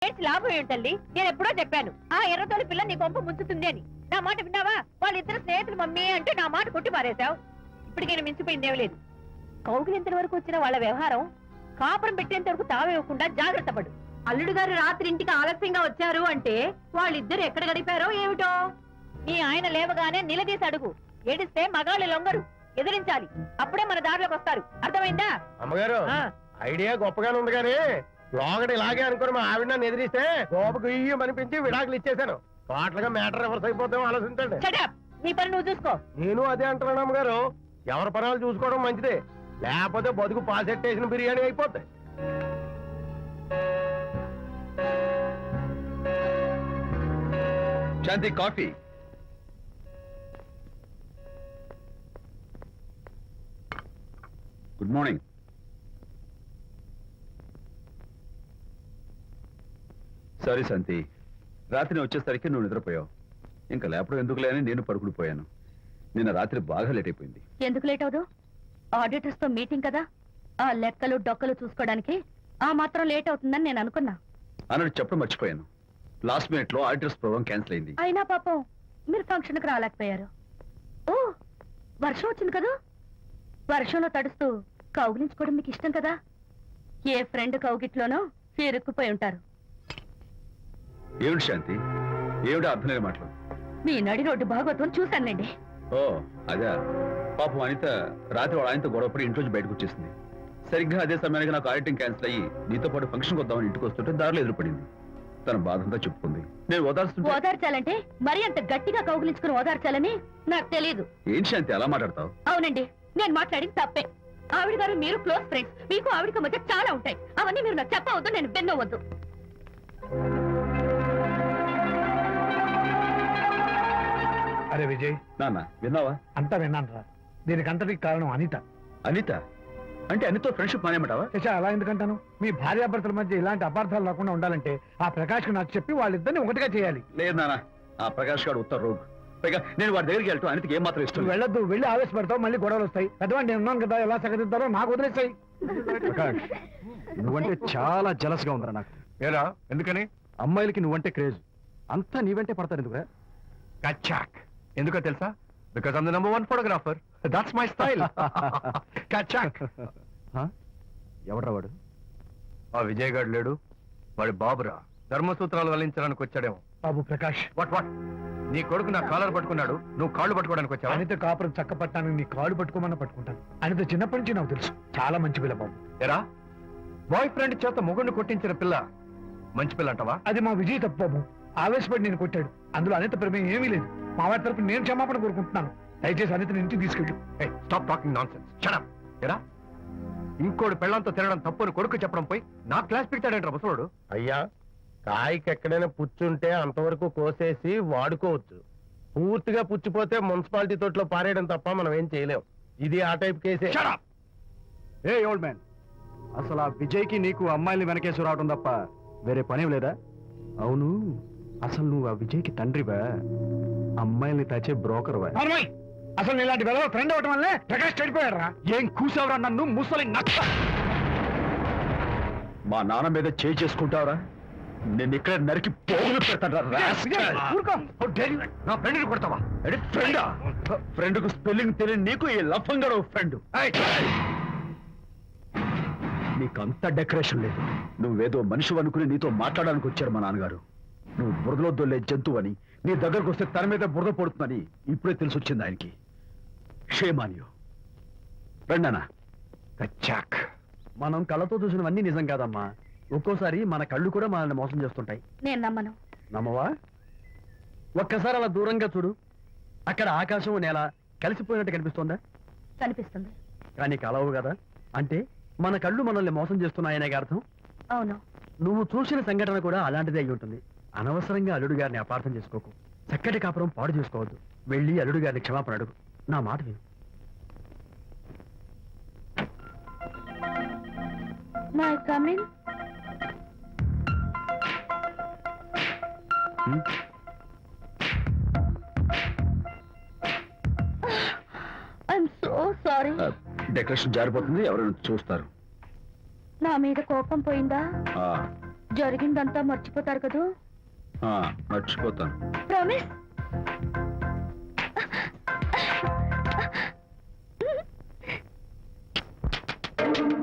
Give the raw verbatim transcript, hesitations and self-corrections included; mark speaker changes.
Speaker 1: చేయించి లాభం ఏంటల్లి? నేను ఎప్పుడో చెప్పాను ఆ ఎర్రతోలి పిల్ల నీ కొంప ముంచుతుంది అని. నా మాట విన్నావా? వాళ్ళిద్దరు స్నేహితులు మమ్మీ అంటే నా మాట కొట్టి పారేశావు. ఇప్పటికైనా మించిపోయిందేం లేదు. కౌగిలింత వరకు వచ్చిన వాళ్ళ వ్యవహారం కాపురం పెట్టేంత వరకు తావేవ్వకుండా జాగ్రత్త పడు. అల్లుడు గారు రాత్రి ఇంటికి ఆలస్యంగా వచ్చారు అంటే వాళ్ళిద్దరు ఎక్కడ గడిపారో ఏమిటో. నీ ఆయన లేవగానే నిలదీసి అడుగు. ఏడిస్తే మగాళ్ళు లొంగరు, ఎదిరించాలి. అప్పుడే మన దారిలోకి వస్తారు. అర్థమైందా?
Speaker 2: అమ్మగారు ఐడియా గొప్పగానే ఉంది కానీ లోగడ ఇలాగే అనుకుని మా ఆవిడ నన్ను ఎదిరిస్తే గోపకు ఇయ్యం అనిపించి విడాకులు ఇచ్చేశాను. పాటలుగా మ్యాటర్ రివర్స్ అయిపోతాం ఆలోచించండి.
Speaker 1: నీ పని నువ్వు చూసుకో.
Speaker 2: నేను అదే అంటున్నాను అమ్మగారు. ఎవరి పనాలు చూసుకోవడం మంచిదే, లేకపోతే బతుకు పాసెట్టేసిన బిర్యానీ అయిపోతాయి.
Speaker 3: Shanti coffee. Good morning. Sorry Shanti, రాత్రి వచ్చేసరికి నువ్వు నిద్రపోయావు. ఇంకా లేపడం ఎందుకు లేని నేను పడుకుని పోయాను. నిన్న రాత్రి బాగా లేట్ అయిపోయింది.
Speaker 1: ఎందుకు లేట్ అవదు? ఆడిటర్స్ తో మీటింగ్ కదా, ఆ లెక్కలు డొక్కలు చూసుకోవడానికి ఆ మాత్రం లేట్ అవుతుందని నేను అనుకున్నా.
Speaker 3: అన్నట్టు చెప్పడం మర్చిపోయాను. లాస్ట్ మినిట్ లో ఆడిటర్స్ ప్రోగ్రామ్ క్యాన్సిల్ అయింది.
Speaker 1: అయినా పాపం మీరు ఫంక్షన్ కి రాలేకపోయారు. ఓ వర్షం వచ్చింది కదా, వర్షంలో తడుస్తూ కౌగిలించుకోవడం మీకు ఇష్టం కదా. ఏ ఫ్రెండ్ కౌగిట్లోనో ఇరుక్కుపోయి ఉంటారు.
Speaker 3: ఏమిటి శాంతి, ఏమిటి అర్థం లేని మాటలు?
Speaker 1: మీ నడి రోడ్డు భాగవతం చూశానండి.
Speaker 3: ఓ అదే, పాపం అనిత రాత్రి వాళ్ళ ఆయనతో గొడవపడి ఇంట్లోంచి బయటకు వచ్చేసింది. సరిగ్గా అదే సమయానికి నాకు ఆడిటింగ్ క్యాన్సిల్ అయ్యి నీతో పాటు ఫంక్షన్కి వద్దామని ఇంటికి వస్తుంటే దారిలో ఎదురుపడింది. తన బాధంతా చెప్పుకుంది. నేను ఓదార్చుంటే
Speaker 1: ఓదార్చాలంటే మరి అంత గట్టిగా కౌగిలించుకుని ఓదార్చాలని నాకు తెలియదు.
Speaker 3: ఏం శాంతి అలా మాట్లాడతావు?
Speaker 1: అవునండి, నేను మాట్లాడింది తప్పే. ఆవిడ గారు మీరు క్లోజ్ ఫ్రెండ్స్, మీకు ఆవిడకి మధ్య చాలా ఉంటాయి. అవన్నీ మీరు నాకు చెప్పవద్దు, నేను విన్నవద్దు.
Speaker 4: అరే విజయ్,
Speaker 3: నాన్న విన్నావా?
Speaker 4: అంతా విన్నాను రా. దీనికి అంతటికి కారణం అనిత.
Speaker 3: అనిత అంటే అనితో ఫ్రెండ్షిప్ మానేమంటావా?
Speaker 4: శశా, అలా ఎందుకంటాను? మీ భార్యాభర్తల మధ్య ఇలాంటి అపార్థాలు లేకుండా ఉండాలంటే ఆ ప్రకాష్ కు నాకు చెప్పి వాళ్ళిద్దరిని ఒకటిగా చేయాలి.
Speaker 3: లేదు నాన్న, ఆ ప్రకాష్ గారు ఉత్తర రోగ్. పైగా నేను వాడి దగ్గరికి వెళ్తాను. అనితకి ఏం మాత్రం ఇష్టం.
Speaker 4: వెళ్ళొద్దు, వెళ్ళి ఆవేశపడతావు, మళ్ళీ గొడవలు వస్తాయి. పెద్దవాడు నేను ఉన్నాను కదా, ఎలా సగదిద్దారో నాకు వదిలేస్తాయి.
Speaker 5: ప్రకాష్, నువ్వంటే చాలా జలస్ గా ఉందిరా నాకు.
Speaker 2: ఏరా ఎందుకని?
Speaker 5: అమ్మాయిలకి నువ్వంటే క్రేజ్. అంతా నీవంటే పడతారు ఎందుకురా?
Speaker 2: కచ్చాక్. ఎందుకో తెలుసా? Because I'm the number one photographer. That's my style. కచ్చాక్.
Speaker 5: ఎవడ్రా వాడు?
Speaker 2: ఆ విజయ్ గారు లేడు, వాడి బాబురా. ధర్మసూత్రాలు వల్లించడానికి వచ్చాడేమో.
Speaker 4: బాబు ప్రకాష్,
Speaker 2: వాట్ వాట్ నీ కొడుకు నా కాలర్ పట్టుకున్నాడు, నువ్వు కాళ్ళు పట్టుకోవడానికి వచ్చావా?
Speaker 4: అనిత కాపురం చక్క పట్టాను, నీ కాళ్ళు పట్టుకోమన్నా పట్టుకుంటాను. అనిత చిన్నప్పటి నుంచి నాకు తెలుసు, చాలా మంచి పిల్ల బాబు.
Speaker 2: ఎరా, బాయ్ ఫ్రెండ్ చేత మొగుడిని కొట్టించిన పిల్ల మంచి పిల్ల అంటావా?
Speaker 4: అది మా విజయ్ తప్పు బాబు. ఆవేశపడి నేను కొట్టాడు. అందులో అనిత ప్రమేయం ఏమీ లేదు. మా వారి తరపు నేను క్షమాపణ కోరుకుంటున్నాను. దయచేసి అనితని ఇంటికి తీసుకెళ్ళు.
Speaker 2: Stop talking nonsense. Shut up. ఎరా, ఇంకోటి పెళ్ళంతో తినడం తప్పుని కొడుకు చెప్పడం పోయి నా క్లాస్ పెడతాడంటారు ముసలోడు. అయ్యా, కాయకి ఎక్కడైనా పుచ్చుంటే అంతవరకు కోసేసి వాడుకోవచ్చు. పూర్తిగా పుచ్చిపోతే మున్సిపాలిటీ తోటలో పారేయడం తప్ప మనం ఏం చేయలేం. ఇది ఆ టైప్ కేసే.
Speaker 5: ఏ ఓల్డ్ మ్యాన్, అసలు ఆ విజయ్కి నీకు అమ్మాయిని వెనకేసి రావడం తప్ప వేరే పనేం లేదా? అవును, అసలు నువ్వు ఆ విజయ్కి తండ్రివా, అమ్మాయిల్ని తచ్చే బ్రోకర్వా?
Speaker 4: అసలు ఇలాంటి వెలవ ఫ్రెండ్ అవటం వల్లే ప్రకాష్ చెడిపోయాడు రా.
Speaker 5: ఏం కూసావురా నన్ను ముసలి నచ్చ?
Speaker 3: మా నాన్న మీద చేయి చేసుకుంటావురా? నేను ఇక్కడ నరికి పోగులు పెడతాను.
Speaker 2: నా ఫ్రెండ్ని కొడతావా?
Speaker 3: ఫ్రెండా? ఫ్రెండ్ కు స్పెల్లింగ్ తెలియని నీకు ఈ లఫంగా ఫ్రెండ్. నీకంత డెకరేషన్ లేదు. నువ్వేదో మనిషి అనుకుని నీతో మాట్లాడడానికి వచ్చారు మా నాన్నగారు. నువ్వు బురదలో దొల్లే జంతువు అని, నీ దగ్గరకు వస్తే తన మీద బురద పడుతుందని ఇప్పుడే తెలిసి వచ్చింది ఆయనకి. క్షేమాన్యు రండనా.
Speaker 5: కచ్చాక్. మనం కళ్ళతో చూసినవన్నీ నిజం కాదమ్మా. ఒక్కోసారి మన కళ్ళు కూడా మనల్ని మోసం చేస్తుంటాయి.
Speaker 1: నేను నమ్మను.
Speaker 5: నమ్మవా? ఒక్కసారి అలా దూరంగా చూడు. అక్కడ ఆకాశం నేల కలిసిపోయినట్టు కనిపిస్తోందా?
Speaker 1: కనిపిస్తుంది.
Speaker 5: కానీ కలవు కదా. అంటే మన కళ్ళు మనల్ని మోసం చేస్తున్నాయనే అర్థం.
Speaker 1: అవును.
Speaker 5: నువ్వు చూసిన సంఘటన కూడా అలాంటిదే అయి ఉంటుంది. అనవసరంగా అల్లుడు గారిని అపార్థం చేసుకోకు. చక్కటి కాపురం పాడు చేసుకోవద్దు. వెళ్ళి అల్లుడు గారిని క్షమాపణ అడుగు. నా మాట విను.
Speaker 1: My coming. I'm so sorry.
Speaker 3: Decoration జారిపోతుంది, ఎవరైనా చూస్తారు.
Speaker 1: నా మీద కోపం పోయిందా? జరిగిందంతా మర్చిపోతారు కదూ
Speaker 3: ఆ, మర్చిపోతాను
Speaker 1: ప్రామిస్